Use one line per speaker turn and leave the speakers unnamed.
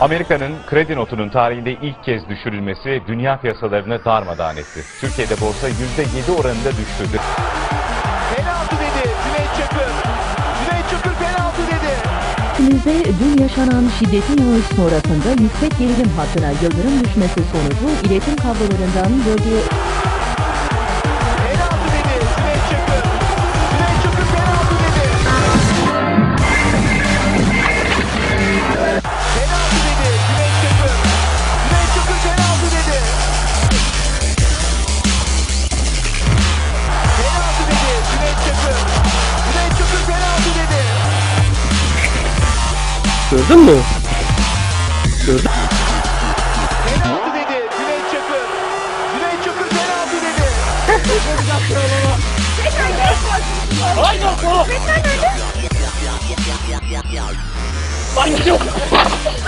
Amerika'nın kredi notunun tarihinde ilk kez düşürülmesi dünya piyasalarını darmadağın etti. Türkiye'de borsa %7 oranında düştü.
Penaltı dedi Cüneyt Çakır. Cüneyt Çakır penaltı dedi.
Ülkemizde dün yaşanan şiddetli yağış sonrasında yüksek gerilim hattına yıldırım düşmesi sonucu iletim kablolarından bölgeye...
Penaltı dedi Cüneyt Çakır. Cüneyt Çakır penaltı dedi. Penaltı dedi Cüneyt Çakır. Cüneyt Çakır penaltı dedi. Penaltı dedi Cüneyt Çakır. Cüneyt Çakır penaltı dedi.
Gördün mü? Gördün.
Penaltı dedi Cüneyt Çakır. Cüneyt Çakır penaltı dedi.
Ay yok. Ay yok.